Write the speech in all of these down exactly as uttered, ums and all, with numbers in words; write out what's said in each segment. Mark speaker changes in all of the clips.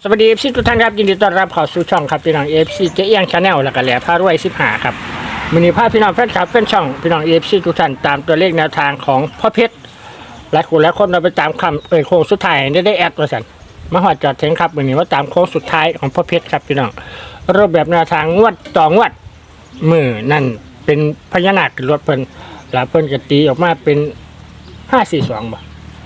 Speaker 1: สวัสดีเอฟซีทุกท่านครับยินดีต้อนรับเข้าสู่ช่องครับพี่น้องเอฟซีเจ๊เอียงชาแนลแล้วก็แหล่พารวยสิบห้าครับมินิภาพพี่น้องแฟนคลับแฟนช่องพี่น้องเอฟซีทุกท่านตามตัวเลขแนวทางของพ่อเพชรและคนและคนเราไปตามคำเอ่ยโค้งสุดท้ายได้ได้แอดมาสั่นมาหอดจอดเทงครับวันนี้ว่าตามโค้งสุดท้ายของพ่อเพชรครับพี่น้องรูปแบบแนวทางงวดต่องวดมือนั่นเป็นพญานาครถเพิ่นแล้วเพิ่นก็ตีออกมาเป็นห้าสี่สองบ่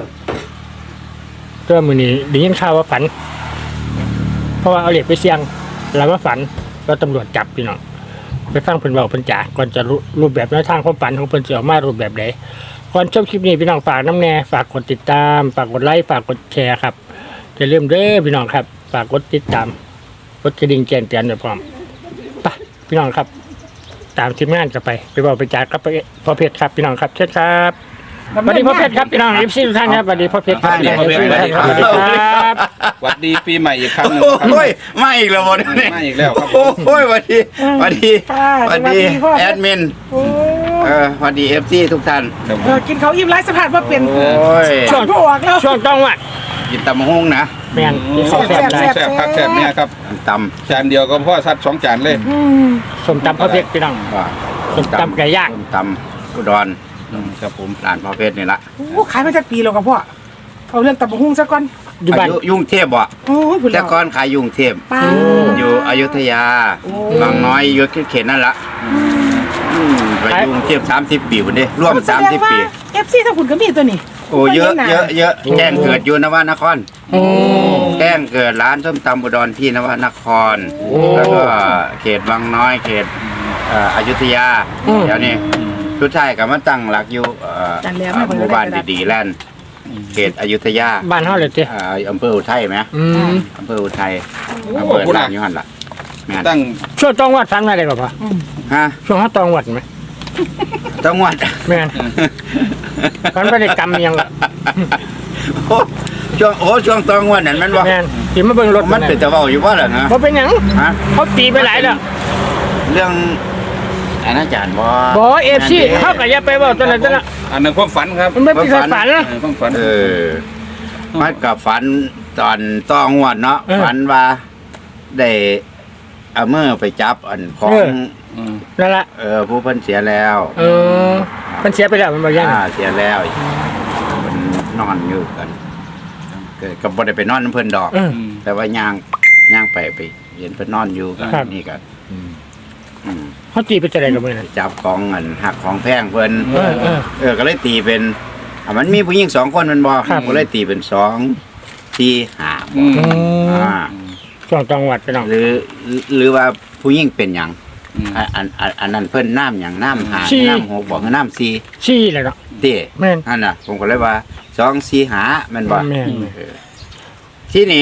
Speaker 1: ก็มือนี้ได้ยินข่าวว่าฝันเพราะว่าเอาเหล็กไปเสี่ยงแล้วมาฝันก็ตำรวจจับพี่น้องไปฟังเพิ่นเว้าเพิ่นจากก่อนจะรู้รูปแบบแนวทางความฝันของเพิ่นสิออกมารูปแบบใดก่อนชมคลิปนี้พี่น้องฝากน้ำแน่ฝากกดติดตามฝากกดไลค์ฝากกดแชร์ครับอย่าลืมเด้อพี่น้องครับฝากกดติดตามกดกระดิ่งแจ้งเตือนไว้พร้อมไปพี่น้องครับตามทีมงานกันไปไปบอกไปจากกับพ่อเพชรครับพี่น้องครับเชิญครับสวัสดีพ่อเพชรครับพี่น้องเอฟซีทุกท่านครับสวัสดีพ่อเพชรครับสวัสดีพ่อเพชรครับสวัสดีครับ
Speaker 2: สวัสดีปีใหม่อีกครั้งหนึ่งครับ
Speaker 3: โอ้ยมาอีกแล้วบนนี่
Speaker 2: มาอีกแล้วครับ
Speaker 3: โอ้ยสวัสดีสวัสดีสวัสดีแอดมินเออสวัสดีเอฟซีทุกท่าน
Speaker 4: เออกินเขาวอิ่มไรสะพานว่าเปลี่ยน
Speaker 3: โอ้ย
Speaker 4: ช่วงพวกแล้ว
Speaker 1: ช่วงต้องวัด
Speaker 3: กินตำมะฮงนะ
Speaker 1: แม่นที่เขาแซ่บได้
Speaker 2: แซ่บครับแซ่บเนี่ยครับ
Speaker 3: ต
Speaker 2: จานเดียวก็พ่อซัดสองจานเลย
Speaker 1: สมตำพ่อเพชรพี่น้อง
Speaker 3: ำว่า
Speaker 1: ส้มตำไก่ย่าง
Speaker 3: ส้มตำอุดร
Speaker 2: ครับผม
Speaker 3: ร้านพ่อเพชรนี่ละ
Speaker 4: โอ้ขายมาจากปีแล้วกับพ่อเอาเรื่องตับกหุ้งซะก่อน
Speaker 1: อยู่บ้าน
Speaker 3: อายุยุ่งเทพบ่
Speaker 4: โอ้ยผุน
Speaker 3: แต่
Speaker 4: แล้ว
Speaker 3: ก่อนขายยุ่งเทพ
Speaker 4: ป้า
Speaker 3: อยู่อยุธยาบางน้อยอยู่เขตนั่นละอืมไปยุ่งเทพสามสิบปีคนนี้ร่วมสามสิบปี
Speaker 4: เอฟซีทั้งคุณก็มีตัวนี้
Speaker 3: โอ้เยอะเยอะเยอะแจ้งเกิดอยู่นวนคร
Speaker 1: โอ้
Speaker 3: แจ้งเกิดร้านส้มตำอุดรที่นวนคร แล้วก็เขตบางน้อยเขตเอ่ออยุธยาเดี๋ยวนี้ทุกชายก็มาตั้งหลักอยู่เอ่อหมู่บ้านดีๆแลนด์เขตอยุธยา
Speaker 1: บ้านเฮาเลยติ
Speaker 3: เอ่ออำเภออุทัยไหม
Speaker 1: อืม
Speaker 3: อำเภออุทัยอำเภอร้านอยู่หันล่ะแม่น
Speaker 2: ตั้ง
Speaker 1: ช่วงต้องวัดฟังได้ก่อนป่ะ
Speaker 3: ฮะ
Speaker 1: ช่วงเฮาต้องวัดไหม
Speaker 3: จังหวัด
Speaker 1: แม่นมันบ่ได้กรรมอิหยังล่ะ
Speaker 3: โอ้ช่วงโอ้ช่วงตองวันนั้นมันบ่
Speaker 1: แม่นสิมาเบิ่งรถ
Speaker 3: มันเป็นตะเว้าอยู่บ่ล่ะนะ
Speaker 1: บ่เป็นหยัง
Speaker 3: ฮะ
Speaker 1: เขาตีไปหลายแล้ว
Speaker 3: เรื่องอาณาจารย์บ่
Speaker 1: บ่ เอฟ ซี เฮาก็อย่าไปเว้าตัวนั้นตัวนั้น
Speaker 2: อันนั้นความฝันครับ
Speaker 1: มันไม่เป็นความฝัน
Speaker 2: เออความฝัน
Speaker 3: เออมันกับฝันตอนต้องวดเนาะ
Speaker 1: เออ
Speaker 3: ฝันว่าได้เอามือไปจับอันของ
Speaker 1: เออ
Speaker 2: ม
Speaker 1: นั่นล่ะ
Speaker 3: เออผู้เพิ่นเสียแล้ว
Speaker 1: เออมันเสียไปแล้วมันบ่ยัง
Speaker 3: อ่าเสียแล้วเพิ่นนอนอยู่กันเกิดก็บ่ได้ไปนอนน้ำเพิ่นดอก
Speaker 1: เออ
Speaker 3: แต่ว่าย่างย่างไปไปเห็นเพิ่นนอนอยู่กัน
Speaker 1: ครับ
Speaker 3: นี่ก็อืม
Speaker 1: เฮาตีไปจะได้กับมื้อนั้น
Speaker 3: จับของเงินหักของแพงเพิ่น
Speaker 1: เออเออ
Speaker 3: เออก็เลยตีเป็นอ่ะมันมีผู้หญิงสองคนแมันบ่
Speaker 1: ครับ
Speaker 3: ก็เลยตีเป็นสองสี่ห้า
Speaker 2: อืม
Speaker 1: อืม
Speaker 3: อ่า
Speaker 1: ช่วงต้องวัดพี่น้อง
Speaker 3: หรือหรือว่าผู้หญิงเป็นหยัง
Speaker 2: อืม
Speaker 3: อันอันอันอันนั้นเพิ่นน้ำหยังน้ำหา
Speaker 1: สี่
Speaker 3: น้ำหกบอกคือน้ำสี่
Speaker 1: ชี้เลยเนาะ
Speaker 3: เด้
Speaker 1: แม่น
Speaker 3: นั่นน่ะ ผมก็เลยว่าสองสี่หาแมันบ่
Speaker 1: แม่น
Speaker 3: เออที่นี่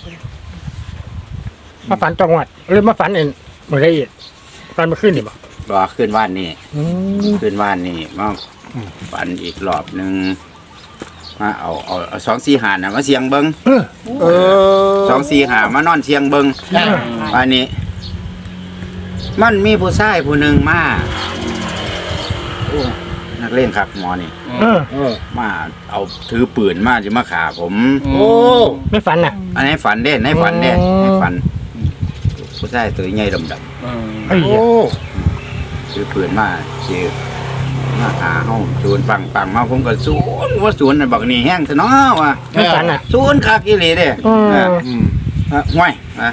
Speaker 1: มาฝันต้องวัดหรือมาฝันเองมื้อใดอีกฝันเมื่อคืนนี่บ่
Speaker 3: รอขึ้นว่านนี่
Speaker 1: อืม
Speaker 3: ขึ้นว่านนี่มาฝันอีกรอบหนึงมาเอาเอาเอาสองสี่หาน่ะมาเสียงเบิ่ง
Speaker 1: เออ
Speaker 3: เออสองสี่หามานอนเสียงเบิงอันนี้ มันมีผู้ชายผู้หนึ่งมาโอ้นักเล่นครับหมอนี่
Speaker 1: เออ
Speaker 3: เออมาเอาถือปืนมาจะมาขาผม
Speaker 2: โอ้
Speaker 1: ไม่ฝันน่ะ
Speaker 3: อันนี้ฝันเด้ในฝันเด้
Speaker 1: อ๋อ
Speaker 3: ในฝัน ผู้ชายตัวใหญ่ดำด
Speaker 2: เออ
Speaker 1: ไอ้เหี้ย
Speaker 3: ำถือปืนมาเสียมาหาห้องศูนย์ปังปังมาผมก็ศูนย์ว่าศูนย์น่ะบอกนี่แห้งซะเนาะว่ะ
Speaker 1: ไม่ฝันน่ะ
Speaker 3: ศูนย์คักอีหลีเด้
Speaker 1: อืม
Speaker 3: เอออ่ะห่วยอ่ะ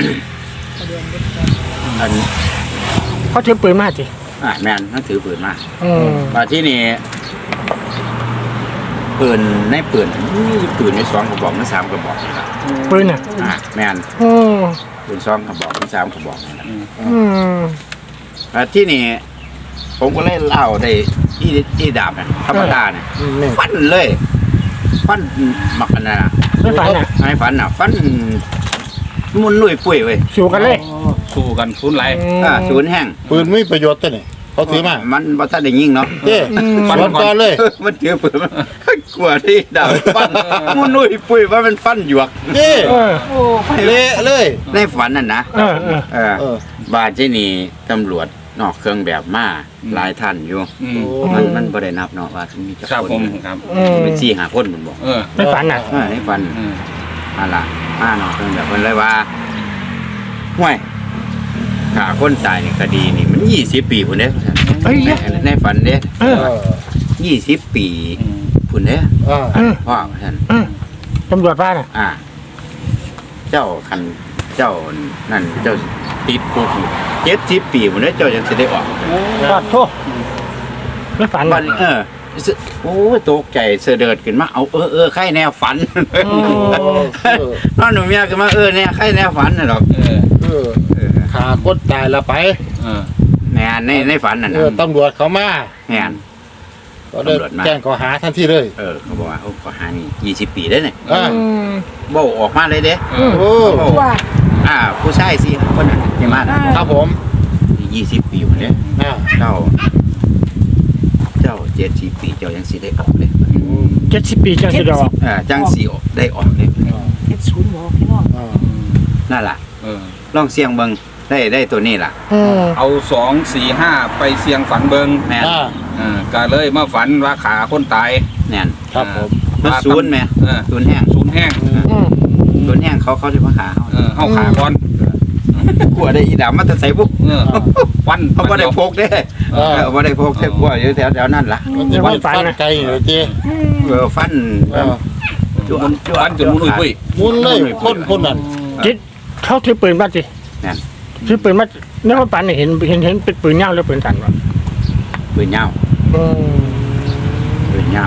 Speaker 3: อัน
Speaker 1: เขาถือปืนมาสิ
Speaker 3: อ่ะแม่นมันถือปืนมา
Speaker 1: อืม
Speaker 3: มาที่นี่ปืนในปืนมีปืนในสองกระบอกในสามกระบอกนะครับ
Speaker 1: ปืนน่ะ
Speaker 3: อ่ะแม่น
Speaker 1: โอ้
Speaker 3: ปืนสองกระบอกในสามกระบอกนะครับ
Speaker 1: อืม
Speaker 3: อ่ะที่นี่ผมก็เล่นเล่าได้อีอีดาบเนี่ยธรรมดาเนี่ย
Speaker 1: นี่
Speaker 3: ฟันเลย ฟันหมักอันนั้นน่ะ
Speaker 1: ไม่ฝันน่ะ
Speaker 3: ไอ้ฟันน่ะ ฟันมุนลุยปุ้ยเว้ย
Speaker 1: สู้กันเลย
Speaker 2: สู้กันฟุ้นไหล
Speaker 3: อ่ะศูนย์แห้ง
Speaker 5: ปืนไม่มีประโยชน์ตัวนี่เขาถือมา
Speaker 3: มันบ่ทันได้ยิงเนาะ
Speaker 5: เจ้สวนก่อนเลย
Speaker 3: มันถือปืนมันกลัวที่ดาบฟันมุนลุยปุ้ยว่ามันฟันหยวก
Speaker 5: เจ้
Speaker 1: เออ
Speaker 5: เละเลย
Speaker 3: ในฝันนั่นนะ
Speaker 1: เออเออ
Speaker 3: เออ
Speaker 5: เออ
Speaker 3: บาดที่นี่ตำรวจนอกเครื่องแบบมาหลายท่านอยู่
Speaker 2: อืม
Speaker 3: มันมันบ่ได้นับเนาะว่ามีจัก
Speaker 2: ครับ
Speaker 3: คน
Speaker 2: ผมครับ
Speaker 1: อืม
Speaker 3: เป็นสี่ห้าคนผมบอก
Speaker 2: เออ
Speaker 1: ไม่ฝันน่ะ
Speaker 3: เออในฝัน
Speaker 2: อืม
Speaker 3: นั่นล่ะมาเนาะเพิ่นแบบเพิ่นเลยว่าห่วยฆ่าคนตายนี่คดีนี่มันยี่สิบปีพุ่นเด้
Speaker 1: เฮ้ย
Speaker 3: ในในฝันเด้
Speaker 1: เออ
Speaker 5: เออ
Speaker 3: ยี่สิบปีพุ่นเด้
Speaker 5: เออ
Speaker 1: เออ
Speaker 3: พ่อท่าน
Speaker 1: เออตำรวจบ้านอ่ะ
Speaker 3: อ่า เจ้าคันเจ้านั่นเจ้าติดคุกเจ็ดสิบปีพุ่นเด้เจ้าจังสิได้ออก
Speaker 1: ขอโทษไม่ฝัน
Speaker 3: บัดนี้เออซึโอ้ยตกใจเสะเดิดขึ้นมาเอาเออเออใครแนวฝัน นอนหนูเมียขึ้นมาเออเนี่ยใครแนวฝันน่ะดอก
Speaker 2: เออ
Speaker 5: เออ
Speaker 3: เออ
Speaker 5: ขาคนตายละไป
Speaker 2: เออ
Speaker 3: แม่นในในฝันน่ะ
Speaker 5: เอ
Speaker 3: นะ
Speaker 5: อตำรวจเขามา
Speaker 3: แม่น
Speaker 5: ก็เลยแจ้งข้อหาทันทีเลย
Speaker 3: เออเขาบอกว่าเขาก็หานี่ยี่สิบปีได้เนี่ย
Speaker 5: อ่า
Speaker 1: อืม
Speaker 3: เบ้าออกมาเลยเด้
Speaker 2: เออ
Speaker 5: โอ้
Speaker 4: ว่า
Speaker 3: อ่า ผู้ชายสิคนนั้นที่มาน่ะ
Speaker 5: ครับผม
Speaker 3: ยี่สิบปีพุ่นเด้
Speaker 5: อ่า
Speaker 3: เจ้า เจ้าเจ็ดสิบปีเจ้ายังสิได้ออกเลย
Speaker 1: เจ็ดสิบปีจังสิดอก
Speaker 3: อ่าจังสิได้ออกเลย
Speaker 4: เฮ็ดศูนย์บอกพี่น้อง
Speaker 5: อ่า
Speaker 3: นั่นล่ะ
Speaker 2: เออ
Speaker 3: ลองเสียงเบิ่งได้ได้ตัวนี้ล่ะ
Speaker 1: อืม
Speaker 2: เอาสองสี่ห้าไปเสียงฝันเบิง
Speaker 3: แม่น
Speaker 5: อ่า
Speaker 2: เออก็เลยมาฝันว่าขาคนตาย
Speaker 3: แม่น
Speaker 5: ครับผม
Speaker 3: มันศูนย์แม่
Speaker 2: เออ
Speaker 3: ศูนย์แห้ง
Speaker 2: ศูนย์แห้ง
Speaker 1: อืม
Speaker 3: ศูนย์แห้งเขาเขาสิมาหาเฮา
Speaker 2: เออเข้าขาก่อน
Speaker 3: กลัวได้อีดำมาแต่ใส่บุก
Speaker 2: เออฟัน
Speaker 3: เขาบ่ได้พกเด้
Speaker 5: เออ
Speaker 3: เออบ่ได้พกแต่กลัวอยู่แถวแถวนั้นล่ะ
Speaker 5: มันจะไม่ฟันไกลเลยจี
Speaker 3: เออฟัน
Speaker 5: เออ
Speaker 3: จวนจว
Speaker 2: ฟันจนมุนอุ้ย
Speaker 5: มุนเลยพ่นพ่นนั่น
Speaker 1: จิตเขาถือปืนมาสิ
Speaker 3: นั่น
Speaker 1: ถือปืนมาในความฝันเนี่ยเห็นเห็นเห็นเป็นปืนเงาหรือปืนสั่นวะ
Speaker 3: ปืนยาว
Speaker 1: อืม
Speaker 3: ปืนยาว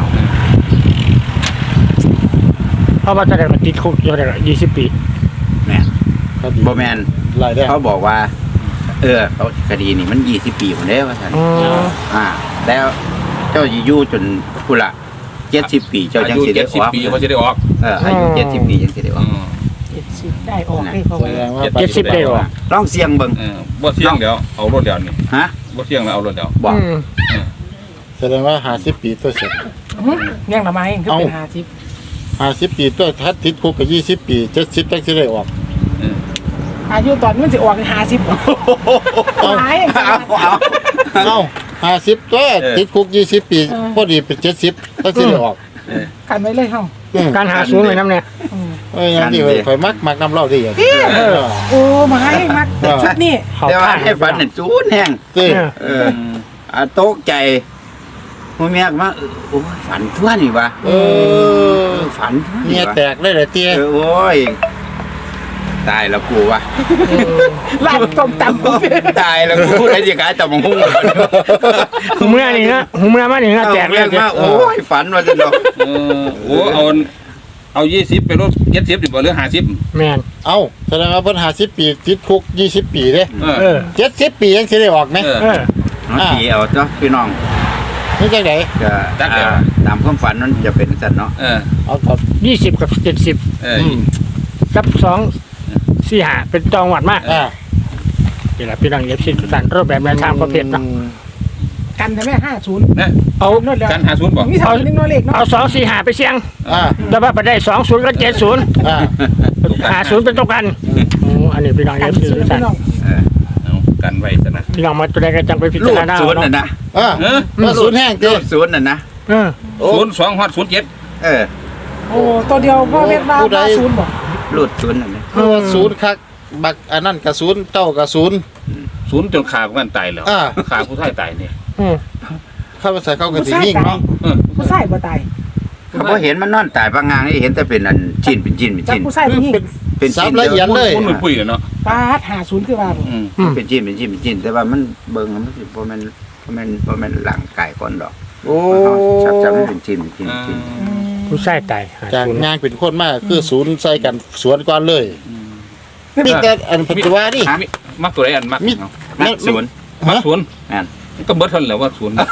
Speaker 1: เพราะว่าจะได้มาติดคุกจะได้ยี่สิบปี
Speaker 3: แม่น
Speaker 5: ครับ
Speaker 3: บ่แม่น
Speaker 5: รายได้
Speaker 3: เขาบอกว่า เออเขาคดีนี่มันยี่สิบปีพุ่นเด้ว่าซั่น
Speaker 1: อืม
Speaker 3: อ่า แล้วเจ้าสิอยู่จนพุ่นละเจ็ดสิบปีเจ้า
Speaker 2: อา
Speaker 3: จัง
Speaker 2: ยุ
Speaker 3: สิได้
Speaker 2: เจ็ด
Speaker 3: อ
Speaker 2: สิบอก ปีเขาจะได้ออก
Speaker 3: เอออายุเจ็ดสิบปีจังสิได้อ
Speaker 2: อื
Speaker 3: อก
Speaker 2: ม
Speaker 4: เจ็ดสิบได้ออกเลยเขา
Speaker 5: แส
Speaker 4: ว่า
Speaker 5: ดงว่า
Speaker 1: เจ็ดสิบได้หรอ
Speaker 3: ลองเสียงเบิ่ง
Speaker 2: เออบ่เที่ยงเดี๋ยวเอารถเดี๋ยวนี่
Speaker 3: ฮะ
Speaker 2: บ่เที่ยงแล้วเอารถเดี๋ยว
Speaker 3: บอก
Speaker 1: อืม
Speaker 5: แสดงว่าหาสิบปีตัวเสร็จ
Speaker 4: เลี้ยงละไม้คือเป็นห้าสิบ
Speaker 5: หาสิบปีตัวทัดติดคุกกับยี่สิบปีเจ็ดสิบตั้งสิได้ออก
Speaker 2: เออ
Speaker 4: อายุตอนมันสิออกห้าสิบบ่หายอย่าง
Speaker 3: เอา
Speaker 4: เงี้ย
Speaker 3: เอา
Speaker 5: เอ้าหาสิบตัวติดคุกยี่สิบปีพอดีเป็นเจ็ดสิบตั้งสิได้ออก
Speaker 4: กันไว้เลยเฮา
Speaker 5: อืม
Speaker 1: การหาศูนย์เลยน้ำเนี่ย
Speaker 5: เอ้ยยังดีเลยข่อยมักมักน้ำเหล้าดีอย่าง
Speaker 1: เออ
Speaker 4: โอ้มาให้มักชุดนี้
Speaker 1: เขา
Speaker 3: แต่ว่า
Speaker 1: ท่า
Speaker 3: ให้ฝันน่ะจูนแห้ง
Speaker 5: เต้
Speaker 1: เออ
Speaker 3: เอออ่าตกใจหัวเมียก็มาเออโอ้ยฝันทั่วนี่วะ
Speaker 5: เออ
Speaker 3: ฝันทั่ว
Speaker 5: เมี
Speaker 3: นี่
Speaker 5: ยว
Speaker 3: ะ
Speaker 5: แตกเลยเหรอเตี้ย
Speaker 3: เออโอ้ยตายแล้วกูวะ
Speaker 4: ร้านต้มตำ
Speaker 3: ตายแล้วกูได้ยังไงแต่มังหุ้ง
Speaker 1: หูเมื่อนี่นะหูเมื่อมานี่นะแจกเลย
Speaker 3: มาโอ้ยฝันว่าจะดอก
Speaker 2: เออโอ้เอาเอายี่สิบไปรถเจ็ดสิบดีกว่าหรือห้าสิบ
Speaker 1: แมน
Speaker 5: เอ้าแสดงว่าเพิ่นหาสิบปีติดคุกยี่สิบปีเด้
Speaker 2: เออ
Speaker 1: เออ
Speaker 5: เจ็ดสิบปียังสิได้ออกไหม
Speaker 2: เออ
Speaker 1: เออ
Speaker 3: น้องผีเอาเจ้าพี่น้อง
Speaker 5: นี่จังได
Speaker 3: จะ
Speaker 2: จัดเดี๋ยว
Speaker 3: อ่าตามความฝันนั้นจะเป็นสัตว์เนาะ
Speaker 2: เออ
Speaker 5: เอาครับ
Speaker 1: ยี่สิบกับเจ็ดสิบ
Speaker 2: เออ
Speaker 1: กับสองสี่หาเป็นจองหวัดมาก
Speaker 5: อ่า
Speaker 1: เดี๋ยวพี่น้องเย็บชิ้นทุกท่านรูปแบบแนวทางประเภทเนาะ
Speaker 4: กันใช่ไหมห้าศูนย์
Speaker 2: เนี่ย
Speaker 1: เอา
Speaker 4: นวดแล้ว
Speaker 2: กันหาศูนย์บอก
Speaker 4: มีสามนึงน้อยเล็กเนาะ
Speaker 1: เอาสองสี่หาไปเสี่ยง
Speaker 5: อ่า
Speaker 1: แต่ว่าไปได้สองศูนย์กับเจ็ดศูนย์
Speaker 5: อ่า
Speaker 1: หาศูนย์เป็นตัวกันโอ้อันนี้พี่น้อง
Speaker 4: กั
Speaker 1: เย็
Speaker 4: น
Speaker 1: บชิ้น
Speaker 4: ศูน
Speaker 1: ทุ
Speaker 4: ย์
Speaker 1: กท่าน
Speaker 4: พี่น้อง
Speaker 3: เออ
Speaker 2: เอากันไว้ซะนะ
Speaker 1: พี่น้องมาตัวใดก็จังไปพิ
Speaker 3: ลู
Speaker 1: จาร
Speaker 3: ด
Speaker 1: ณา
Speaker 3: ศูนย์
Speaker 1: เอา
Speaker 3: น่ะ
Speaker 1: เนาะ
Speaker 3: นะ
Speaker 5: อ่า
Speaker 2: เออ
Speaker 5: มาศูนย์แห้ง
Speaker 3: ลู
Speaker 5: เต้
Speaker 3: ดศูนย์น่ะนะ
Speaker 1: เออ
Speaker 5: โอ้
Speaker 2: ศูนย์สองฮอดศูนย์เจ็ด
Speaker 3: เออ
Speaker 4: โอ้ตัวเดียวพ่อเม็ดว่าห้าศูนย์บ่
Speaker 3: ลูดศูนย์น่ะนะ
Speaker 5: คือว่าศูนย์คักบักอันนั้นกับศูนย์เจ้ากับศูนย์
Speaker 2: ศูนย์จนขาพวกกันตายแล้ว
Speaker 5: อ่า
Speaker 2: ขาผู้ชายตายเนี่ย
Speaker 1: อืม
Speaker 5: เข้ามาใส่เข้ากันสิยิ่งเนาะ
Speaker 2: เออ
Speaker 4: ผู้ชายบ่ตาย
Speaker 3: เขาบ่เห็นมันนอนตายปางงางนี่เห็นแต่เป็นอันชิ้นเป็นชิ้นเป็น
Speaker 4: จาก
Speaker 3: ชิ้น
Speaker 4: ผู้ชายผู้หญิง
Speaker 3: เป็น
Speaker 5: สา
Speaker 3: ชิ้
Speaker 5: ม
Speaker 3: น
Speaker 5: ละเอียดเลย
Speaker 2: คนมันปุ้ยเนาะ
Speaker 4: ปาดหาศูนย์คือว่าบ่
Speaker 2: อืม
Speaker 3: เป็นชิ้นเป็นชิ้นเป็นชิ้นแต่ว่ามันเบิ่งแล้วมันสิบ่แม่นบ่แม่นบ่แม่นร่างกายคนดอก
Speaker 5: โอ้
Speaker 3: ชับจับเป็นชิ้นเป็นชิ้นเป็นชิ้น
Speaker 1: ผู้ชายตายหา
Speaker 5: จาก
Speaker 1: ศูนย์
Speaker 5: งานเป็นคนมากคือศูนย์ใส่กันสวนก่อนเลยมีแต่อันปัจจุบันนี่
Speaker 2: มิมักตัวไหนอันมัก
Speaker 5: มิ
Speaker 2: เนาะ
Speaker 3: นักศูนย์
Speaker 2: มักศูนย์
Speaker 3: แม่น
Speaker 2: มันก็เบิดเท่านั้นแหละว่าศูนย์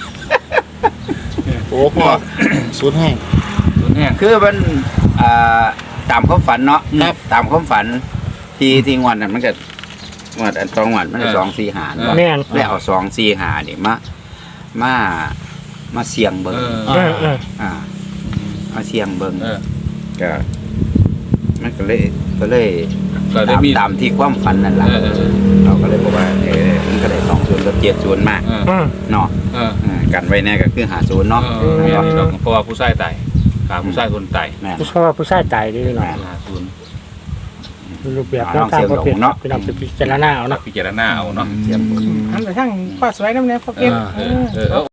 Speaker 5: โอ้พ่อศูนย์แห้ง
Speaker 2: ศูนย์แห้ง
Speaker 3: คือมันอ่าตามความฝันเนาะ
Speaker 5: ครับ
Speaker 3: ตามความฝันที่ที่งวดนั้นมันก็งวดอันสองงวดมันก็สองสี่หาเนาะ
Speaker 1: แม่น
Speaker 3: ได้เอาสองสี่หานี่มามามาเสียงเบิ่ง
Speaker 2: เออ
Speaker 1: เออเออ
Speaker 3: อ่ามาเสียงเบิ่ง
Speaker 2: เออ
Speaker 3: ก็มันก็เลยก็เลย
Speaker 2: ก็ได้
Speaker 3: ตาม
Speaker 2: มี
Speaker 3: ตามที่ความฝันนั่นแหละ
Speaker 2: เออเออเออ
Speaker 3: เราก็เลยบอกว่าเออมันก็ได้สองศูนย์กับเจ็ดศูนย์มาก
Speaker 2: เออ
Speaker 1: อืม
Speaker 3: เนาะ
Speaker 2: เออ
Speaker 3: อ่ากันไว้แน่ก็คือหาศูนย์เนาะ
Speaker 2: เออเพราะว่าผู้ชายตายขาผู้ชายคนตาย
Speaker 3: แม่น
Speaker 1: ผู้ชายว่าผู้ชายตายด้วยหน่อย
Speaker 2: หาศูนย์
Speaker 1: รูปแบบแนวทางประเภทพี่น้องไปพิจารณาเอาเนาะ
Speaker 2: พิจารณาเอาเนาะ
Speaker 4: หันไปทางพ่อสวยน้ำแน่พ่อเก็บ
Speaker 2: เออเออ